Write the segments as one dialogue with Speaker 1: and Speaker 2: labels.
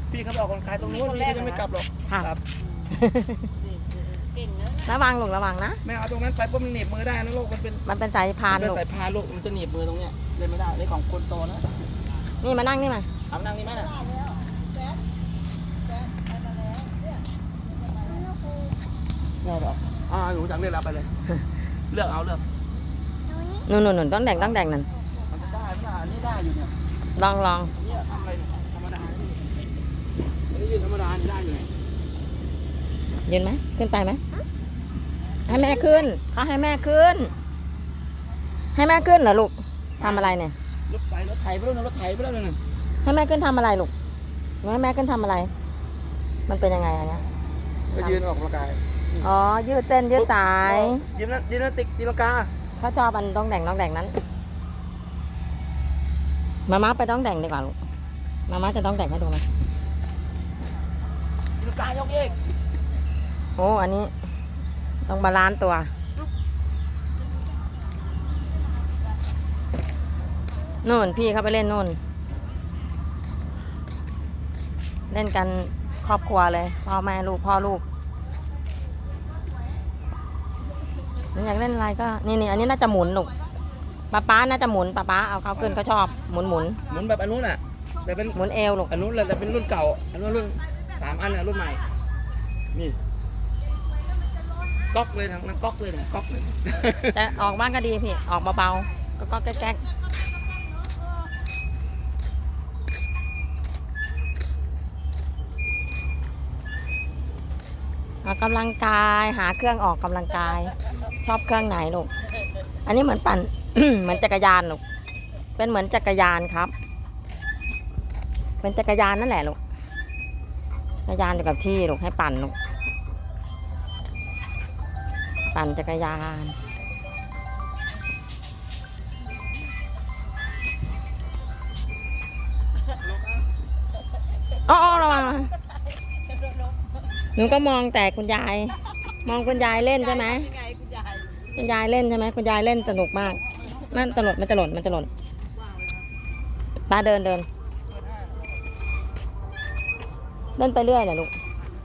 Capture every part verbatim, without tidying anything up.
Speaker 1: พี่เขาไปออกกำลังกายตรงนู้นพี่ก็จะไม่กลับหรอก
Speaker 2: ค่ะ
Speaker 1: ครับ
Speaker 3: เก่งเนอะ
Speaker 2: ระวังลูกระวังนะ
Speaker 1: ไม่เอาตรงนั้นไปปุ๊บมันหนีบมือได้นะลูกมันเป็น
Speaker 2: มันเป็นสายพาน
Speaker 1: เป็น
Speaker 2: ลูก
Speaker 1: สายพานลูกมันจะหนีบมือตรงเนี้ยเล่นไม่ได้นี่ของคนโตนะ
Speaker 2: นี่มานั่งนี่มา
Speaker 1: เอานั่งนี่ไหมน่ะได้หรออ่าหนูอยากเล่นเอาไปเลย เลือกเอาเลือก
Speaker 2: นุ่นนุ่นนุ่นต้องแดงต้องแดงนั่น
Speaker 1: มันได้ไม่ได้อันนี้ได้อยู่เนี่ย
Speaker 2: ลองลอง
Speaker 1: เนี่ยทำอะไรเนี่ยธรรมดาอันนี้ยืนธรรมดานี่ได้อยู่
Speaker 2: ยืนไหมขึ้นไปไหมให้แม่ขึ้นเขาให้แม่ขึ้น ให้แม่ขึ้นเหรอลูกทำอะไรเนี่ย
Speaker 1: รถไฟรถไถไปแล้วนะรถไถไปแล้วนะ
Speaker 2: ให้แม่ขึ้นทำอะไรลูกให้แม่ขึ้นทำอะไร มันเป็นยังไงอันเนี้ย
Speaker 1: ก็ยืนออกกำลังกาย
Speaker 2: อ๋อยืดเส้นยืดสาย
Speaker 1: ยืนนั่นยืนนั่นติกตีลังกา
Speaker 2: เขาชอบอันต้องแดงต้องแดงนั้นมาม่าไปต้องแดงดีกว่าลูกมาม่าจะต้องแดงให้ดูไหม
Speaker 1: ตีลังกายกเอก
Speaker 2: โอ้อันนี้ต้องบาลานซ์ตัวนู่นพี่เขาไปเล่นนู่น เล่นกันครอบครัวเลยพ่อแม่ลูกพ่อลูกอยากเล่นอะไรก็นี่นี่อันนี้น่าจะหมุนลูกป๊าป๊าน่าจะหมุนป๊าป๊าเอาเขาขึ้นเขาชอบหมุนหมุน
Speaker 1: หมุนแบบอันนู้นอ่ะแต่เป็น
Speaker 2: หมุนเอวลูก
Speaker 1: อันนู้นแหละแต่เป็นรุ่นเก่าอันนู้นรุ่นสามอันเนี่ยรุ่นใหม่นี่ก๊อกเลยทางนั้นก๊อกเลยเนี่ยก๊อกเลย
Speaker 2: แต่ออกบ้างก็ดีพี่ออกเบาๆก็ก็แก๊กออกกำลังกายหาเครื่องออกกำลังกาย ชอบเครื่องไหนลูกอันนี้เหมือนปั่น เหมือนจักรยานลูกเป็นเหมือนจักรยานครับ เป็นจักรยานนั่นแหละลูกจักรยานอยู่กับที่ลูกให้ปั่นลูกปั่นจักรยานอ๋อระวังนะหนูก็มองแต่คุณยาย มองคุณยายเล่นใช่ไหม
Speaker 3: ยังไงคุณยาย
Speaker 2: คุณยายเล่นใช่ไหมคุณยายเล่นสนุกมากมันตลดมันจะหล่นมันจะหล่นป้าเดินเดินเล่นไปเรื่อยแหละลูก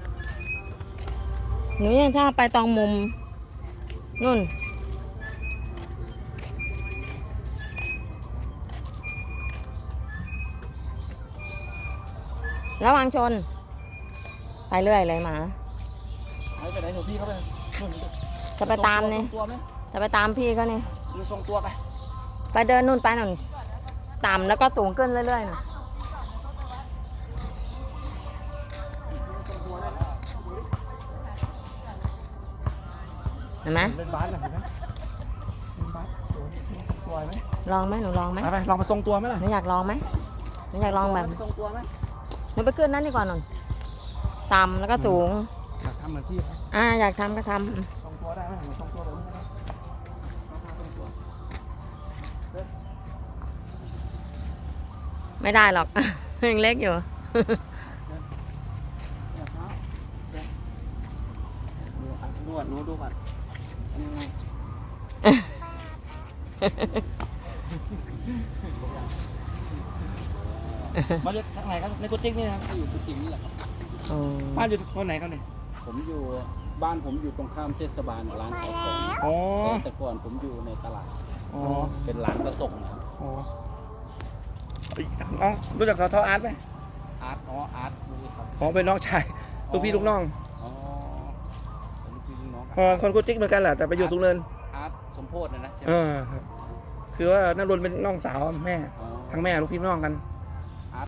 Speaker 2: หนูยังชอบไปตองมุมนู่นระวังชนไปเรื่อยเลยหมา
Speaker 1: หายไปไหนหนูพี่เขาไปนู่น
Speaker 2: จะไปตามนี่
Speaker 1: ทรงตัวไหม
Speaker 2: จะไปตามพี่เขานี่
Speaker 1: หรือทรงตัวไป
Speaker 2: ไปเดินนู่นไปนู่นต่ำแล้วก็สูงขึ้นเรื่อยๆน่ะเห็นไหม
Speaker 1: เป็นบาสนะเห็นไหมเป็นบาสสวยไหม
Speaker 2: ลองไหมหนูลองไหม
Speaker 1: ไปไปลองมาทรงตัวไหมล่ะ
Speaker 2: หนูอยากลองไหมหนูอยากลองแบบ
Speaker 1: ทรงตัวไหม
Speaker 2: หนูไปขึ้นนั้นดีกว่าหน่อยต่ำแล้วก็สูง
Speaker 1: อยากทำเหมือนพี่ไหม
Speaker 2: อ่าอยากทำก็ท
Speaker 1: ทรงตัวได้ไหมเหมือนทรงตัวแบบนี้ได้ไหมทรงตัว
Speaker 2: ำไม่ได้หรอก ยังเล็กอยู่
Speaker 1: เนี่ยเท้าเนี่ยดูอ่ะนวดหนูดูก่อนยังไงมาจากทางไหนครับในกุฏินี่นะครับ
Speaker 4: อยู่กุฏินี่แหละครับ
Speaker 2: อ๋อ
Speaker 1: บ้านอยู่คนไหนครับเนี่ย
Speaker 4: ผมอยู่บ้านผมอยู่ตรงข้ามเทศบาลร้านขายของ
Speaker 1: อ๋อ
Speaker 4: แต่ก่อนผมอยู่ในตลาด
Speaker 1: อ๋อ
Speaker 4: เป็นร้านกระส่งนะ
Speaker 1: อ๋อน้องรู้จักสทอาร์ตไหม
Speaker 4: อาร์ตอ๋ออาร์ตนี่ครับ
Speaker 1: อ๋อเป็นน้องชายลูกพี่ลูกน้อง
Speaker 4: อ๋อผมคือน้อง
Speaker 1: เออคนกุฏิเหมือนกันแหละแต่ไปอยู่สูงเนิน
Speaker 4: อาร์ตสมโพธินะนะใช่ไหม
Speaker 1: เออครับคือว่านันรนเป็นน้องสาวแม่
Speaker 4: อ๋อ
Speaker 1: ทั้งแม่ลูกพี่ลูกน้องกัน
Speaker 4: อ